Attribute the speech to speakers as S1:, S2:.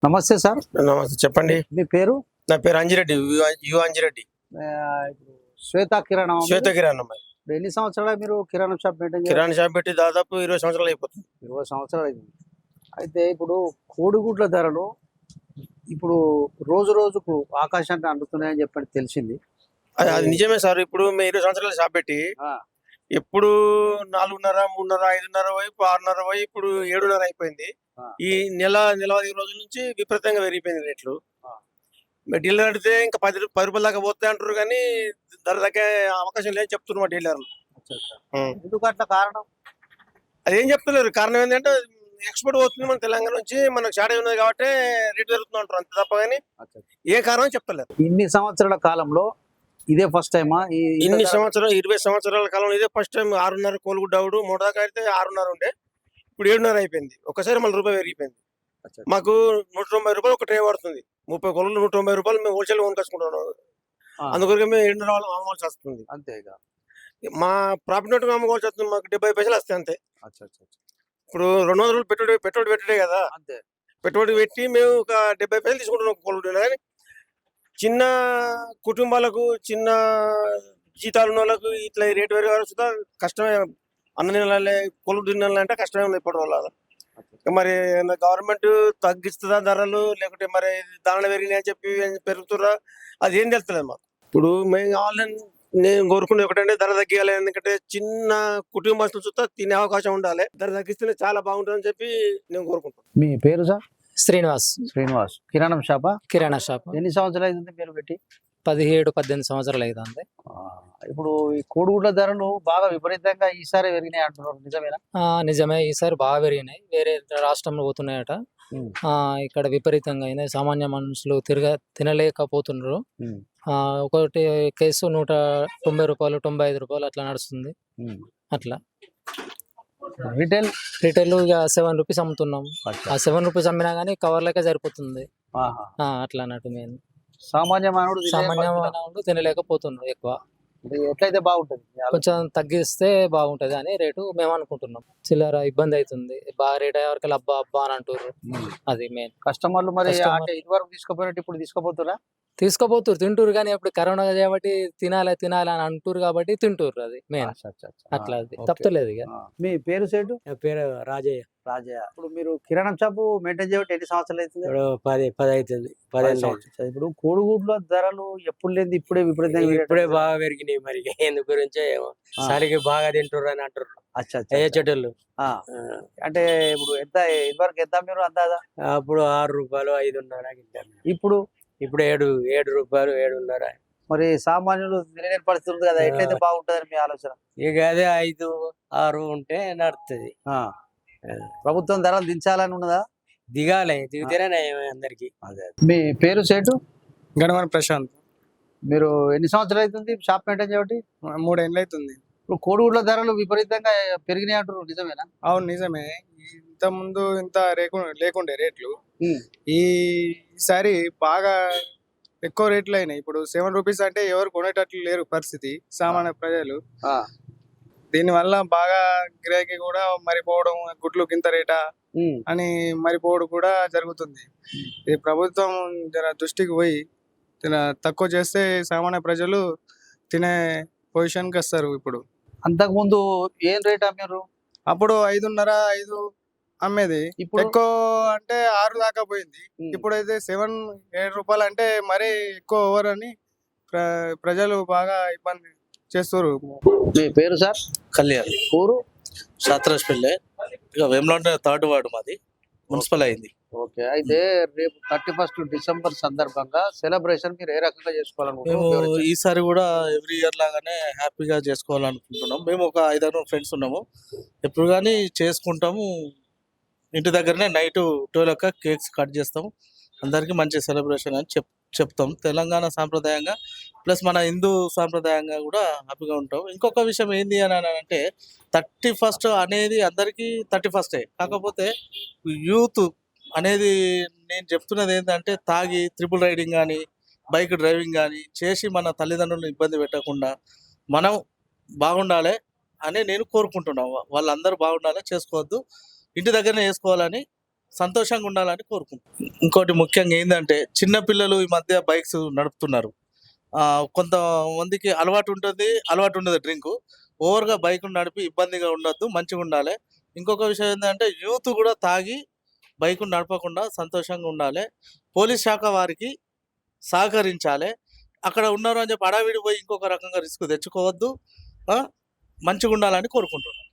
S1: నమస్తే సార్.
S2: నమస్తే చెప్పండి.
S1: మీ పేరు?
S2: నా పేరు అంజిరెడ్డి, యు అంజిరెడ్డి.
S1: ఇప్పుడు శ్వేత కిరాణం.
S2: శ్వేత కిరాణం.
S1: ఇప్పుడు ఎన్ని సంవత్సరాలు మీరు కిరాణం షాప్ మెయింటైన్ చేయాలి?
S2: కిరాణా షాప్ పెట్టి దాదాపు 20 సంవత్సరాలు అయిపోతుంది.
S1: 20 సంవత్సరాలు అయింది. అయితే ఇప్పుడు కోడిగుడ్ల ధరలు ఇప్పుడు రోజు రోజుకు ఆకాశాన్ని అందుతున్నాయని చెప్పి తెలిసింది.
S2: అది నిజమే సార్. ఇప్పుడు మేము 20 సంవత్సరాలు షాప్ పెట్టి ఎప్పుడు 4:30, 3:30, 5:30 వైపు 6:30 వైపు ఇప్పుడు 7:30 అయిపోయింది. ఈ నెలవారీ రోజుల నుంచి విపరీతంగా పెరిగిపోయింది రేట్లు. డీలర్ అడిగితే ఇంకా 10 రూపాయల దాకా పోతాయి అంటారు, కానీ ధర తగ్గే అవకాశం లేదని చెప్తున్నారు మా డీలర్లు.
S1: ఎందుకు అట్లా కారణం?
S2: అదేం చెప్తలేరు. కారణం ఏంటంటే ఎక్స్పోర్ట్ పోతుంది మన తెలంగాణ నుంచి, మనకు షార్టేజ్ ఉన్నది కాబట్టి రేట్ పెరుగుతుంది అంటారు, అంతే తప్ప కానీ ఏ కారణం చెప్తలేరు.
S1: ఇన్ని సంవత్సరాల కాలంలో ఇదే ఫస్ట్ టైమా?
S2: ఇన్ని సంవత్సరాలు 20 సంవత్సరాల కాలంలో ఇదే ఫస్ట్ టైం. 6:30 కోలుగుడ్డ అవుడు మూడు దాకా అయితే 6:30 ఉండే, ఇప్పుడు 7:30 అయిపోయింది. ఒకసారి మళ్ళీ రూపాయి పెరిగిపోయింది. మాకు 190 రూపాయలు ఒక ట్రే పడుతుంది. 30 కోళ్ళు 190 రూపాయలు మేము హోల్సేల్ కొనుకొచ్చుకుంటున్నాం. అందుకొరకు మేము 7:30 అమ్మవలసి వస్తుంది.
S1: అంతే.
S2: మా ప్రాఫిట్ నోట్ అమ్ముకోవాల్సి వస్తుంది. మాకు 70 పైసలు వస్తాయి అంతే. ఇప్పుడు 200 రూపాయలు పెట్టుబడి పెట్టడే కదా,
S1: అంతే. పెట్టుబడి
S2: పెట్టి మేము ఒక 70 పైసలు తీసుకుంటున్నాం కోళ్ళు. కానీ చిన్న కుటుంబాలకు, చిన్న జీతాలు ఉన్న వాళ్ళకు ఇట్లా రేటు పెరగాల్సి కష్టమే. అన్న నెలలే కొలువు తినాలంటే కష్టమే ఉంది ఇప్పటి వల్ల. మరి గవర్నమెంట్ తగ్గిస్తుందా ధరలు, లేకుంటే మరి ధరలు పెరిగినాయి అని చెప్పి పెరుగుతురా, అది ఏం తెలుస్తలేదు మాకు. ఇప్పుడు మేము కావాలని నేను కోరుకునే ఒకటంటే ధర తగ్గియాలి. ఎందుకంటే చిన్న కుటుంబస్తులు చూస్తా తినే అవకాశం ఉండాలి. ధర తగ్గిస్తేనే చాలా బాగుంటుందని చెప్పి నేను కోరుకుంటాను.
S1: మీ పేరు సార్?
S3: శ్రీనివాస్.
S1: కిరాణం షాపా?
S3: కిరాణా షాప్.
S1: ఎన్ని సంవత్సరాలు అయింది మీరు పెట్టి?
S3: 17-18 సంవత్సరాలు అవుతుంది.
S1: ఇప్పుడు ఈ కోడిగుడ్ల ధరలు బాగా విపరీతంగా ఈసారి పెరిగినాయి అంటున్నారు, నిజమేనా?
S3: నిజమే, ఈసారి బాగా పెరిగినాయి. వేరే రాష్ట్రంలో పోతున్నాయట. ఇక్కడ విపరీతంగా అయినాయి. సామాన్య మనుషులు తినలేకపోతున్నారు. ఒకటి కేసు 190 రూపాయలు, 95 రూపాయలు అట్లా నడుస్తుంది. అట్లా
S1: రిటైల్
S3: ఇక 7 రూపీస్ అమ్ముతున్నాం. ఆ 7 రూపీస్ అమ్మినా గానీ కవర్లకే సరిపోతుంది. అట్లా అన్నట్టు మేము
S1: సామాన్య
S3: మానవుడు తినలేకపోతున్నాడు ఎక్కువ.
S1: ఎట్లయితే బాగుంటుంది,
S3: కొంచెం తగ్గిస్తే బాగుంటది అని రేటు మేము అనుకుంటున్నాం. చిల్లర ఇబ్బంది అవుతుంది, బాగా రేట్ అయ్యే వరకు అబ్బా అని అంటారు. అది మెయిన్.
S1: కస్టమర్లు మరి ఇదివరకు తీసుకోపోయినట్టు ఇప్పుడు
S3: తీసుకోపోతురు, తింటూరు. కానీ ఇప్పుడు కరోనా కాబట్టి తినాలి అని అంటారు కాబట్టి తింటూరు. అది మెయిన్. అట్లా తప్పలేదు. ఇక
S1: మీ పేరు సేటు?
S3: పేరు రాజయ్య.
S1: ఇప్పుడు మీరు కిరాణం షాప్ మెయింటైన్ చేయబట్టి ఎన్ని సంవత్సరాలు అవుతుంది?
S3: 10 అవుతుంది. 10
S1: ఇప్పుడు కోడిగుడ్ల ధరలు ఎప్పుడు లేదు, ఇప్పుడే విపరీతంగా
S3: ఇప్పుడే బాగా పెరిగినాయి. మరి ఎందు గురించో ఏమో సరికి బాగా తింటారు అని అంటారు చెట్టులు.
S1: అంటే ఇప్పుడు ఎంత ఇదివరకు ఎంత మీరు అందాదా?
S3: అప్పుడు 6 రూపాయలు 5.5
S1: ఇప్పుడు
S3: 7 రూపాయలు 7.5.
S1: మరి సామాన్యులు తినలేని పరిస్థితి ఉంది కదా, ఎట్లయితే బాగుంటదని మీ ఆలోచన?
S3: ఇక అదే 5-6 ఉంటే నడుస్తుంది.
S1: ప్రభుత్వం ధరలు దించాలని ఉన్నదా?
S3: దిగాలి, దిగితేనే అందరికి.
S1: మీ పేరు సేటు?
S4: గణవరం ప్రశాంత్.
S1: మీరు ఎన్ని సంవత్సరాలు అవుతుంది షాప్ మెయింటైన్ చేయబట్టి?
S4: 3 ఏళ్ళు అవుతుంది.
S1: ఇప్పుడు కోడిగుడ్ల ధరలు విపరీతంగా పెరిగినాయి అంటారు, నిజమేనా?
S4: అవును, నిజమే. ఇంత ముందు ఇంత లేకుండే రేట్లు. ఈసారి బాగా ఎక్కువ రేట్లు అయినాయి. ఇప్పుడు 7 రూపీస్ అంటే ఎవరు కొనేటట్లు లేరు పరిస్థితి, సామాన్య ప్రజలు. దీనివల్ల బాగా గిరాకీ కూడా మరిపోవడం, గుడ్లు కింద రేటా అని మరిపోవడం కూడా జరుగుతుంది. ఈ ప్రభుత్వం దృష్టికి పోయి తక్కువ చేస్తే సామాన్య ప్రజలు తినే పొజిషన్కి వస్తారు. ఇప్పుడు
S1: అంతకుముందు ఏం రేట్ అమ్మారు?
S4: అప్పుడు 5.5 అమ్మేది. ఇప్పుడు ఎక్కువ అంటే 6 దాకా పోయింది. ఇప్పుడైతే 7-7 రూపాయలు అంటే మరీ ఎక్కువ ఓవర్ అని ప్రజలు బాగా ఇబ్బంది చేస్తారు.
S1: మీ పేరు సార్?
S5: కళ్యాణ్.
S1: ఊరు?
S5: శాత్రాజ్పల్లె. ఇక వేములవాడ 3rd వార్డు మాది, మున్సిపల్ అయింది.
S1: ఓకే. అయితే రేపు 31st డిసెంబర్ సందర్భంగా సెలబ్రేషన్ మీరు ఏ రకంగా చేసుకోవాలనుకుంటున్నారు?
S5: మేము ఈసారి కూడా ఎవ్రీ ఇయర్ లాగానే హ్యాపీగా చేసుకోవాలనుకుంటున్నాం. మేము ఒక 5-6 ఫ్రెండ్స్ ఉన్నాము. ఎప్పుడు కానీ చేసుకుంటాము. ఇంటి దగ్గరనే నైట్ 12 కేక్స్ కట్ చేస్తాము. అందరికీ మంచి సెలబ్రేషన్ అని చెప్తాం. తెలంగాణ సాంప్రదాయంగా ప్లస్ మన హిందూ సాంప్రదాయంగా కూడా హ్యాపీగా ఉంటాం. ఇంకొక విషయం ఏంది అని అంటే 31st అనేది అందరికీ 31st. కాకపోతే యూత్ అనేది నేను చెప్తున్నది ఏంటంటే తాగి ట్రిపుల్ రైడింగ్ కానీ బైక్ డ్రైవింగ్ కానీ చేసి మన తల్లిదండ్రులను ఇబ్బంది పెట్టకుండా మనం బాగుండాలి అని నేను కోరుకుంటున్నాను. వాళ్ళందరూ బాగుండాలి, చేసుకోవద్దు, ఇంటి దగ్గరనే చేసుకోవాలని సంతోషంగా ఉండాలని కోరుకుంటున్నాం. ఇంకోటి ముఖ్యంగా ఏంటంటే చిన్నపిల్లలు ఈ మధ్య బైక్స్ నడుపుతున్నారు. కొంతమందికి అలవాటు ఉండదు డ్రింక్. ఓవర్గా బైక్ నడిపి ఇబ్బందిగా ఉండొద్దు, మంచిగా ఉండాలి. ఇంకొక విషయం ఏంటంటే యూత్ కూడా తాగి బైక్ నడపకుండా సంతోషంగా ఉండాలి. పోలీస్ శాఖ వారికి సహకరించాలి. అక్కడ ఉన్నారు అని చెప్పి అడావిడి పోయి ఇంకొక రకంగా రిస్క్ తెచ్చుకోవద్దు. మంచిగా ఉండాలని కోరుకుంటున్నాను.